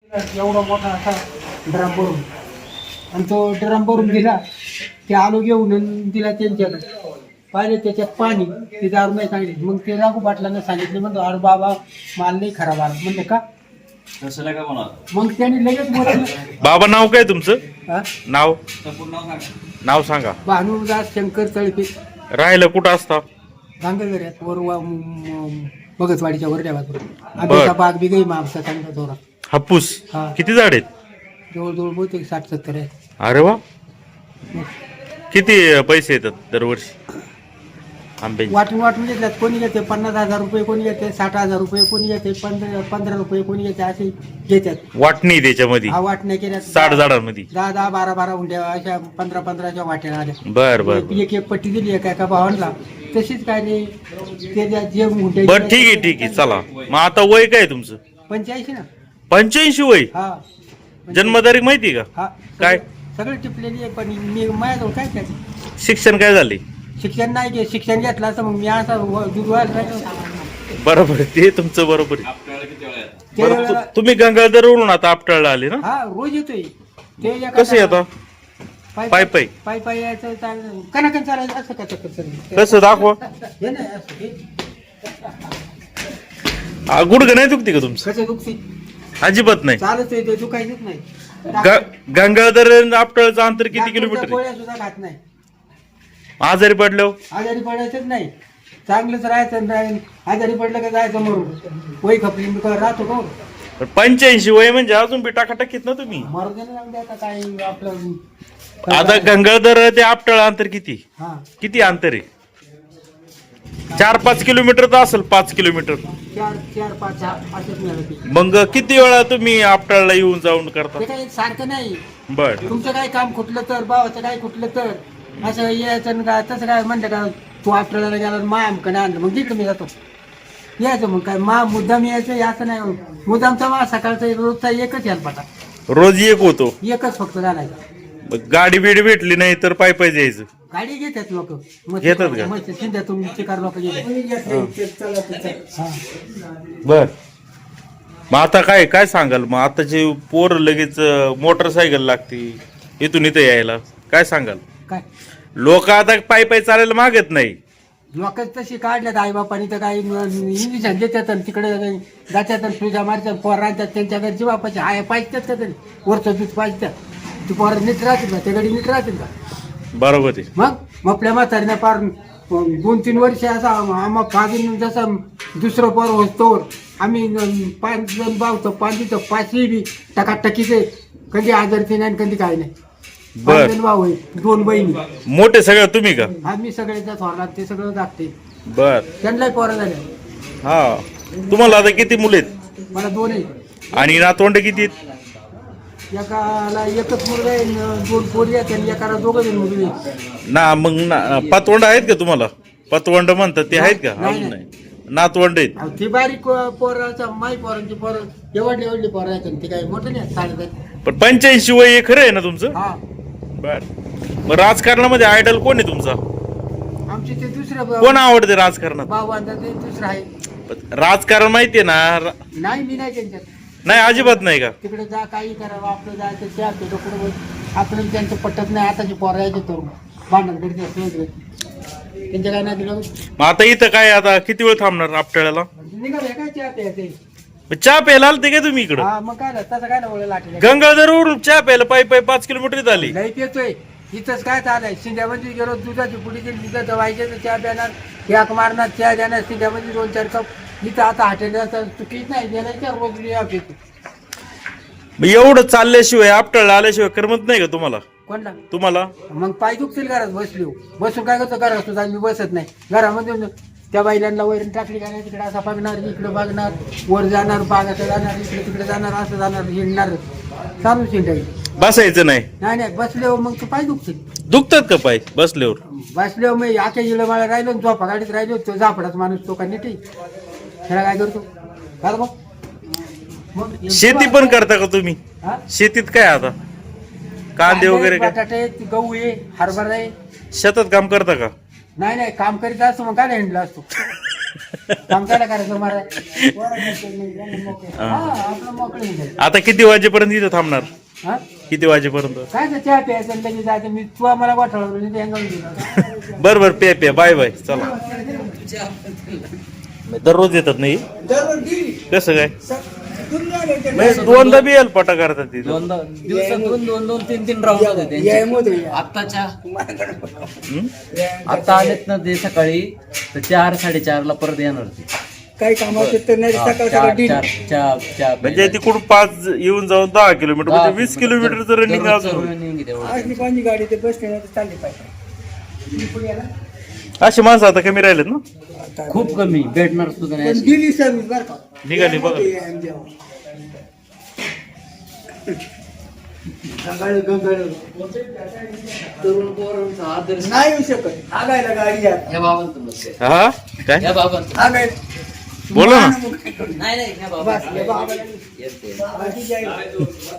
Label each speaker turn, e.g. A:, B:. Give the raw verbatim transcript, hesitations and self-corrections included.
A: एवढा मोठा असा ड्रम भरून आणि तो ड्रम भरून दिला. ते आलो घेऊन आणि दिला त्यांच्याकडे. पाहिले त्याच्यात पाणी, ते दारू नाही सांगले. मग ते राघू पाटलांना सांगितले, म्हणतो अरे बाबा माल नाही खराब आला. म्हणलं का मग त्यांनी लगेच बोललं.
B: बाबा नाव काय तुमचं?
A: हा?
B: नाव नाव सांगा.
A: भानुदास शंकर तळपे.
B: राहिलं कुठं असता?
A: गांगेघऱ्यात वर वा- म- म- भगतवाडीच्या वरच्या बाजूला. आंब्याचा बाग बी गई मागचा चांगला जोरात.
B: हापूस
A: हा.
B: किती झाड आहेत?
A: जवळजवळ बहुतेक साठ सत्तर आहे.
B: अरे वा. किती पैसे येतात दरवर्षी आंब्याचे?
A: वाटून वाटून घेतल्यात. कोणी घेते पन्नास हजार रुपये, कोणी घेते साठ हजार रुपये, कोणी घेते पंधरा पंधरा रुपये, कोणी घेते असे घेतात.
B: वाटणी त्याच्यामध्ये
A: हा वाटण्या केल्या.
B: साठ झाडांमध्ये
A: दहा दहा बारा बारा हुंड्या अशा पंधरा पंधराच्या वाट्या आल्या.
B: बर बर बर.
A: एक एक पट्टी दिली एका एका भावांना. तशीच काय नाही ते ज्या- जे हुंड्या
B: बर ठीक आहे ठीक आहे चला. मग आता वय काय तुमचं?
A: पंच्याऐंशी ना.
B: पंच्याऐंशी वय.
A: हा
B: जन्मतारीख माहिती का?
A: हा
B: काय?
A: सगळं टिपलेली आहे. पण मी माझ्याजवळ काय काय
B: शिक्षण काय झाले?
A: शिक्षण नाही घे. शिक्षण घेतलं असतं मग मी असा दूध व्हायला राहिलो.
B: बरोबर आहे, ते तुमचं बरोबर आहे.
A: ते
B: बरं,
A: वेळेला-
B: तु- तुम्ही गंगाधरवरून आता आपटाळला आले ना?
A: हा रोज येतोय ते एका-
B: कसं येता?
A: पाय
B: पाय पाय
A: पाय पाय यायचं चाललं. कनाकन चालायचं असं कसं कसं
B: कसं दाखवा.
A: हे नाही असं हे
B: आ, गुडघं नाही दुखते का तुमचं?
A: कसं दुखते
B: अजिबात नाही.
A: चालत ते दुखायचंच नाही.
B: ग- गंगाधर आणि आपटाळचं अंतर किती
A: डॉक्टरच्या
B: किलोमीटर आहे?
A: गोळ्या सुद्धा खात नाही.
B: आजारी पडल्यावर
A: आजारी पडायचंच नाही. चांगलंच राहायचं आणि राहील. आजारी पडलं का जायचं मरून. वय खपली मी का राहतो का
B: पंच्याऐंशी वय म्हणजे अजून बी टाकाटाकीत ना तुम्ही.
A: मरू दे ना, जाऊ दे आता काय आपलं.
B: आता गंगाधर ते आपटाळ अंतर किती
A: हा
B: किती अंतर आहे? चार पाच किलोमीटर तर असेल. पाच किलोमीटर.
A: चार चार पाच सहा असंच मिळालं ते.
B: मग किती वेळा तुम्ही आपटाळला येऊन जाऊन करता?
A: ते काही सारखं नाही.
B: बर.
A: तुमचं काय काम कुठलं तर भावाचं काय कुठलं तर असं यायचं आणि काय तसं काय म्हणतं का तू आपल्याला गेला मा आमकडे आणलं मग तिकडे मी जातो यायचं. मग काय मा मुद्दाम यायचं हे असं नाही. मुद्दामचा मा सकाळचा रोजचा एकच यायला पाटा.
B: रोज एक होतो.
A: एकच फक्त घालायचा.
B: मग गाडी बिडी भेटली नाही तर पाय पाय जायचं.
A: गाडी घेतात लोक.
B: घेतात का?
A: शिंद्यातून चिकार लोक घेतात.
B: बर. मग आता काय काय सांगाल? मग आताचे पोर लगेच मोटरसायकल लागते इथून इथं यायला, काय सांगाल?
A: काय
B: लोक आता पाय पाय चालायला मागत नाही.
A: लोकच तशी काढल्यात आई बापानी तर काही इंग्लिशात देतात आणि तिकडे जातात आणि तुझ्या मारतात पोर राहतात त्यांच्या घरची बापाची आया पाहिजेत का तरी वरचं दूध पाहिजे. ती पोरं नीट राहतील का? त्या गडी नीट राहतील का?
B: बरोबर आहे.
A: मग मग आपल्या म्हातारीने पार दोन तीन वर्ष असा आम्हा पाजून जसं दुसरं पोर होतो आम्ही न- पाच जण बावतो पाच तिथं पाचही बी टकाटकीचे. कधी आजारते नाही आणि कधी काय नाही.
B: बर.
A: पाच जण भाऊ आहेत, दोन बहिणी.
B: मोठे सगळं तुम्ही का?
A: आम्ही सगळे त्या थोरला ते सगळं दाखते.
B: बर.
A: त्यांनाही पोरं झाल्या.
B: हा. तुम्हाला आता किती मुले आहेत?
A: मला दोन आहेत.
B: आणि नातवंड किती आहेत?
A: एकाला एकच मुलगा आहे न दोन पोरी आहेत आणि एकाला दोघं जण मुली आहेत.
B: ना मग ना पतवंड आहेत का तुम्हाला? पतवंड म्हणतात ते आहेत का?
A: नाही,
B: अजून नाही. नातवंड आहेत.
A: अहो, ती बारीक पोराचा माई पोरांची पोरं एवढली एवढली पोरं आहेत आणि ती काय मोठं नाही साडेदहा.
B: पण पंच्याऐंशी वय हे खरं आहे ना तुमचं?
A: हा
B: बर. मग राजकारणामध्ये आयडल कोण आहे तुमचा?
A: आमचे ते दुसरं
B: कोण आवडते राजकारणात?
A: भाऊ बांधा ते दुसरं आहे.
B: राजकारण माहितीये ना? र-
A: नाही मी नाही त्यांच्यात.
B: नाही अजिबात नाही का?
A: तिकडे जा काही करावं आपलं जायचं ते आपलं डोकडं आपलं त्यांचं पटत नाही. आताची पोरं यायचे तो भांडण करते असं त्यांच्या काय नाही दिलं.
B: मग आता इथं काय आता किती वेळ थांबणार आपट्याला?
A: निघाले काय चहा प्यायचे.
B: चहा प्यायला आलते का तुम्ही इकडं?
A: हा मग काय झालं? तसं काय ना ओळख लागली
B: गंगाधरवरून चहा प्यायला पायी पायी पाच किलोमीटर आली.
A: लई पेतोय. इथंच काय चाललंय? शिंद्यामध्ये गेलो दुधाची पुडी गेली तिथं दवायचे तर चहा प्याणार याक मारणार चहा देणार. शिंद्यामध्ये दोन चार कप इथं आता हॉटेल चुकीच नाही देण्याच्या रोज लिहा पेतो.
B: मग एवढं चालल्याशिवाय आपटाळला आल्याशिवाय करमत नाही का तुम्हाला?
A: कोणला
B: तुम्हाला
A: मग पाय दुखतील घरात बसली बसून काय करतो घरात सुद्धा मी बसत नाही. घरामध्ये त्या बैलांना वैरण टाकली का नाही तिकडे असा बघणार इकडे बघणार वर जाणार बागाचं जाणार इकडे तिकडे जाणार असं जाणार हिंडणार चालू शिंडाई.
B: बसायचं नाही?
A: नाही नाही बसल्यावर मग तू पाय दुखतील.
B: दुखतात का पाय बसल्यावर?
A: बसल्यावर मग आख्या जिल्हा मला राहिलो झोपा गाडीत राहिलो तो झापडाच माणूस तो का नीट ह्याला काय करतो का मग मग
B: शेती पण करता का तुम्ही?
A: हा?
B: शेतीत काय आता कांदे वगैरे काय?
A: बटाटे गहू आहे हरभरा आहे.
B: शेतात काम करता का?
A: नाही नाही काम करीत असतो मग काय हिंडला असतो. काम काय करायचं मारा हा आपलं मोकळं निघायचं.
B: आता किती वाजेपर्यंत इथं थांबणार?
A: हा
B: किती वाजेपर्यंत?
A: काय तर चहा प्यायचं आणि लगेच जायचं. मी तू आम्हाला वाटलं ते अंगावर गेलं.
B: बर बर पे पे बाय बाय चला. दररोज येतात नाही कसं काय म्हणजे दोनदा बी पटा करतात तिथं.
C: दोनदा दिवसातून दोन दोन तीन तीन राऊंड होते त्यांचे. आत्ताच्या
B: हं?
C: आता आलेत ना ते सकाळी तर चार साडेचार ला परत येणार ते.
A: काही कामाचं तर नाही
C: हा,
A: सकाळ
C: चार
A: सकाळ
C: चार चहा चहा
B: म्हणजे तिकडून पाच येऊन जाऊन दहा किलोमीटर म्हणजे वीस किलोमीटरचं रनिंग असून
A: आज कोणती गाडी ते बस स्टँड चालली पाहिजे.
B: अशी माणसं आता कमी राहिलेत ना.
C: खूप कमी भेटणार सुद्धा नाही अशी.
A: दिली सर्व्हिस बरं का
B: निघाली बघा.
A: गंगाळ गंगाळ
C: तरुण पोरांचा आदर्श
A: नाही येऊ शकत आगायला गाडी या
C: ह्या बाबांचं मत आहे.
B: हा काय
C: ह्या बाबांचं
A: आगाय
B: बोला ना.
C: नाही नाही ह्या
A: बस
C: बाबांचं
A: हे बाबाला
C: येते.
A: बाकी जाईल.